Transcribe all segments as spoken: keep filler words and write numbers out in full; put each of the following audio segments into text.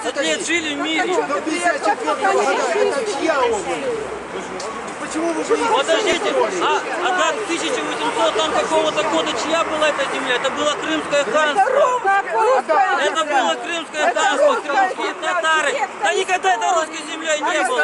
пятьдесят лет жили в мире. До пятьдесят четвёртого года это чья область? Почему вы боитесь? Подождите, а, а до тысяча восьмисотого там какого-то года чья была эта земля? Это было Крымское ханство. Это было Крымское ханство, крымские татары. Да никогда это русской землей не было.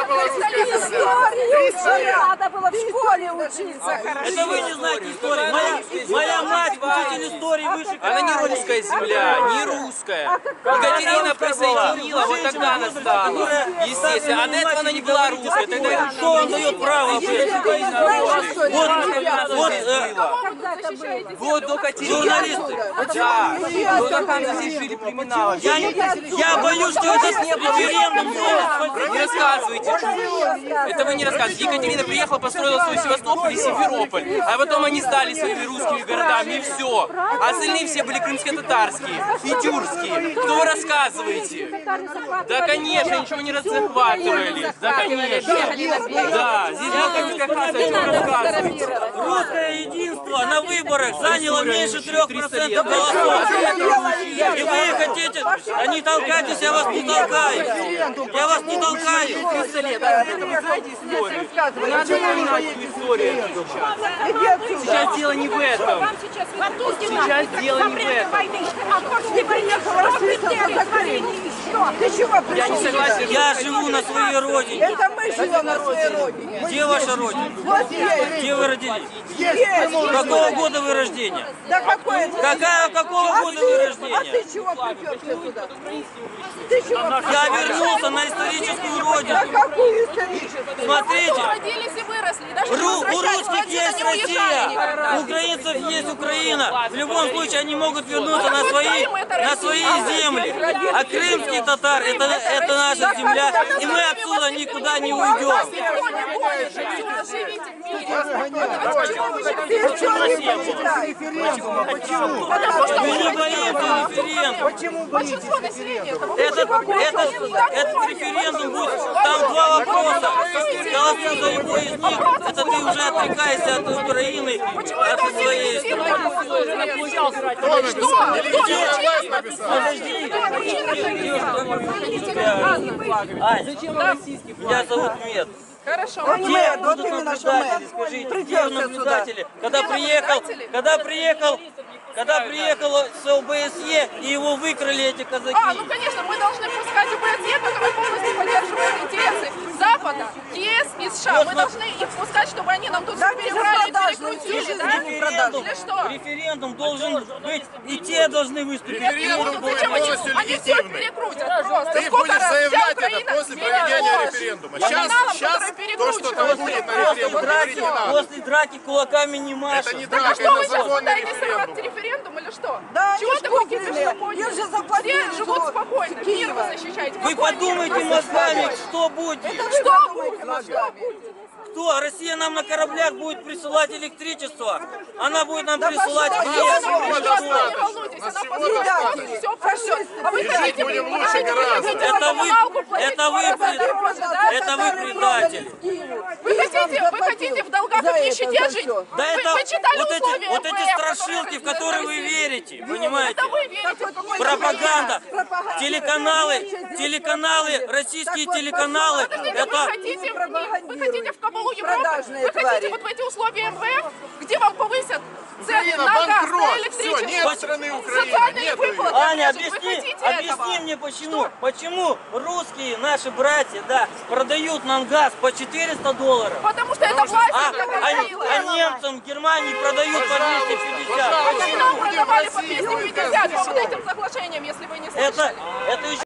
Надо было в школе учиться хорошо. Это вы не знаете истории. Моя, моя мать учитель истории выше. Она не русская земля, не русская. Екатерина присоединила, вот тогда она стала. Естественно, а до этого она не была русской. Тогда Кто вам дает право? Вот, вот, э, вот до Катерины. журналисты. Да, вот как она здесь жили племена. Я, не- я боюсь, что этот референдум Не рассказывайте. Это вы не рассказываете. Екатерина приехала, построила свой Севастополь и Симферополь. А потом они стали своими русскими городами, и все. А остальные все были крымско-татарские и тюркские. Кто вы рассказываете? Да, конечно, ничего не захватывали. Да, конечно. Да, здесь была крымская хата, о чем рассказываете? русское единство на выборах заняло меньше трех процентов голосов. И вы хотите, а не толкайтесь, я вас не толкаю. Я вас не толкаю. триста лет, да, это вы знаете историю. Надо понимать историю сейчас. Сейчас дело не в этом. Сейчас дело не в этом. Я не согласен. Я живу на своей родине. Это мы живем на своей родине. Где ваша родина? Вот есть. Где вы родились? Есть. Какого года вы рождения? Да какое это? Какая, какого А года вы ты, а рождения? ты чего приперся сюда? Ты чего Я вернулся на историческую На родину. какую историческую? Смотрите, Родились и выросли. Даже Ру- у возвращать русских отсюда есть не уезжали никогда. Россия, у украинцев есть Украина. В любом случае они могут вернуться на свои, на свои земли. А крымские татары это, это наша земля, и мы отсюда никуда не уйдем. Никто не будет. Живите в мире. Ты чего не понимаешь? Референдума, почему? Потому что Мы не вы боимся референдума. Почему боитесь большинство населения. Это Этот, этот, этот референдум будет, там два вопроса. Голосуй за любой из них, это ты уже отрекаешься от Украины, от своей страны. Ань, меня зовут Мед. Хорошо. Где вот будут именно что наблюдатели? мы. Скажите, где Придётся наблюдатели? Когда приехал, когда приехал, когда приехал с ОБСЕ и его выкрали эти казаки. А, ну конечно, мы должны пускать ОБСЕ, который полностью поддерживает интересы Запада, ЕС и США. Мы должны их пускать, чтобы они нам тут Да, перебрали и беспродажные, перекрутили, всю да? жизнь Референдум, Для что? референдум должен быть, и те должны выступить. Ну, зачем они, они все перекрутят просто. Ты Сколько будешь раз вся заявлять Украина это после сменила проведения ложь референдума. номиналом, Сейчас, сейчас который то, перекручивает. что там будет на референдуме, После говорить драки, не надо. после драки кулаками не машут. Это не Так а драка, что это вы сейчас законный пытаетесь сорвать референдум. референдум или что? Да, Чего они ж такой куплены. кипиш подняли? Им же заплатили, Все живут что спокойно, мир Киева. вы защищаете. Вы Какой подумайте мир? мозгами, что будет. Это вы Что подумайте будет? мозгами. Кто? Россия нам на кораблях будет присылать электричество. Она будет нам Да присылать пошла нефть. ты, Она всего придет, достаточно. не волнуйтесь, Нас она всего позвонит, достаточно. все пройдет. А вы И хотите, жить будем вы лучше хотите, гораздо. вы хотите Это вы- коммуналку платить это вы в два раза при- дороже, да? Это вы предатели. Вы хотите, вы хотите в долгах и в нищете жить? Да Вы, это вы читали вот эти, условия вот эти МВФ, страшилки, в которые вы верите, понимаете? Это вы верите в какой-то Пропаганда, Пропаганда. телеканалы, телеканалы, российские Так вот, телеканалы, Подождите, это... вы хотите, вы хотите в кабалу Европы? Продажные Вы хотите твари. вот в эти условия МВФ, где вам повысят цены Украина на газ, на банкрот. Все, электричество, нет страны Украины, социальные нет выплаты? Аня, отрежут? Вы объясни, хотите объясни этого? мне почему, почему русские, наши братья, да, продают нам газ по четыреста долларов, Потому что это власть, а, которая а- говорила. а немцам в Германии продают по двести пятьдесят. Вы нам Будем продавали в по России, двести будет пятьдесят по газ вот этим соглашениям, если вы не слышали. Это, это еще